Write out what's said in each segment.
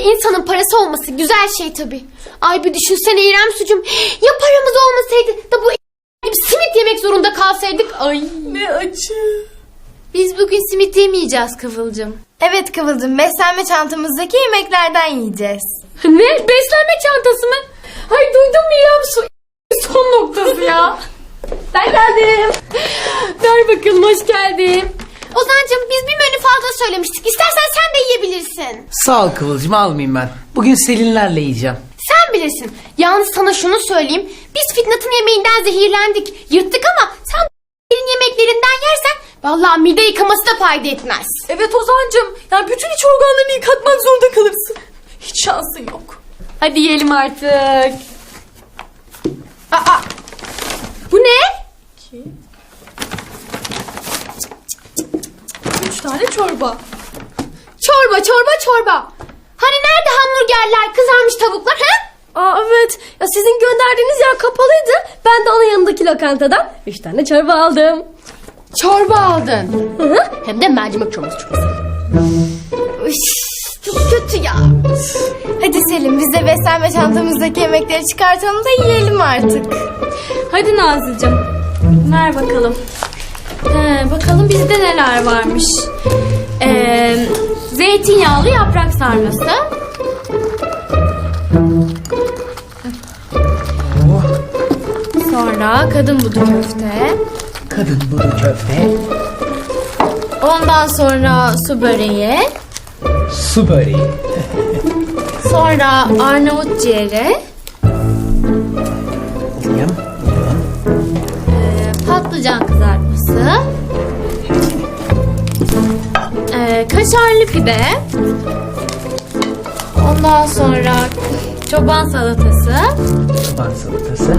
insanın parası olması güzel şey tabii. Ay bir düşünsene İrem sucum. Ya paramız olmasaydı da bu gibi simit yemek zorunda kalsaydık. Ay Ne acı. biz bugün simit yemeyeceğiz Kıvılcım. Evet Kıvılcım, beslenme çantamızdaki yemeklerden yiyeceğiz. Ne? Beslenme çantası mı? Ay duydun mu İrem su son noktası ya. Ben geldim. Ver bakalım, hoş geldin. Ozan'cığım biz bir menü fazla söylemiştik. İstersen sen de yiyebilirsin. Sağ ol Kıvılcım, almayayım ben. Bugün Selinlerle yiyeceğim. Sen bilirsin. Yalnız sana şunu söyleyeyim. Biz Fitnat'ın yemeğinden zehirlendik. Yırttık ama sen yemeklerinden yersen vallahi mide yıkaması da fayda etmez. Evet Ozan'cığım. Yani bütün iç organlarını yıkatmak zorunda kalırsın. Hiç şansın yok. Hadi yiyelim artık. Aa, bu ne? 3 tane çorba. Çorba. Hani nerede hamburgerler, kızarmış tavuklar ha? Aa evet. Ya sizin gönderdiğiniz yer kapalıydı. Ben de onun yanındaki lokantadan 3 tane çorba aldım. Çorba aldın. Hı hı. Hem de mercimek çorbası çok güzel. Çok kötü ya. Hadi Selim, biz de beslenme çantamızdaki yemekleri çıkartalım da yiyelim artık. Hadi Nazlıcığım. Ver bakalım. Bakalım bizde neler varmış. Zeytinyağlı yaprak sarması. Sonra kadın budu köfte. Kadın budu köfte, Ondan sonra su böreği. su böreği, Sonra Arnavut ciğeri. yiyeyim. Patlıcan kızartması. Kaşarlı pide. Ondan sonra çoban salatası. Çoban salatası.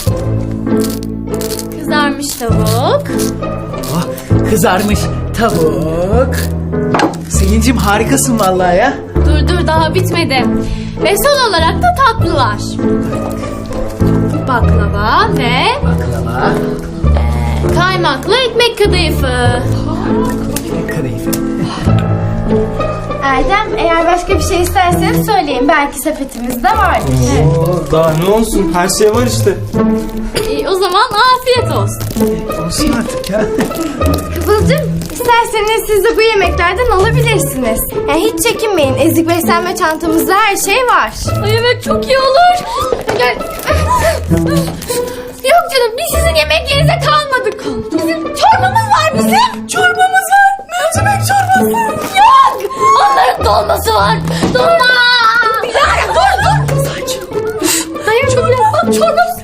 Kızarmış tavuk. Oh, kızarmış tavuk. Selincim harikasın vallahi ya. Dur daha bitmedi. Ve son olarak da tatlılar. Baklava ve Baklava, kaymaklı ekmek kadayıfı. kadayıf. Erdem, eğer başka bir şey isterseniz söyleyin. Belki sepetimizde vardır. Oo, daha ne olsun, her şey var işte. O zaman afiyet olsun. Olsun artık ya. Kıvılcım, isterseniz siz de bu yemeklerden alabilirsiniz. Yani hiç çekinmeyin. Ezik beslenme çantamızda her şey var. Ay evet çok iyi olur. Gel. Yok canım, biz sizin yemeklerinize kalmadık. Bizim çorbamız var bizim. Çorbamız var. Mercimek çorbası. Yok. Onların dolması var. Dolma. Dilara dur. Sakin ol. Hayır çorbamız.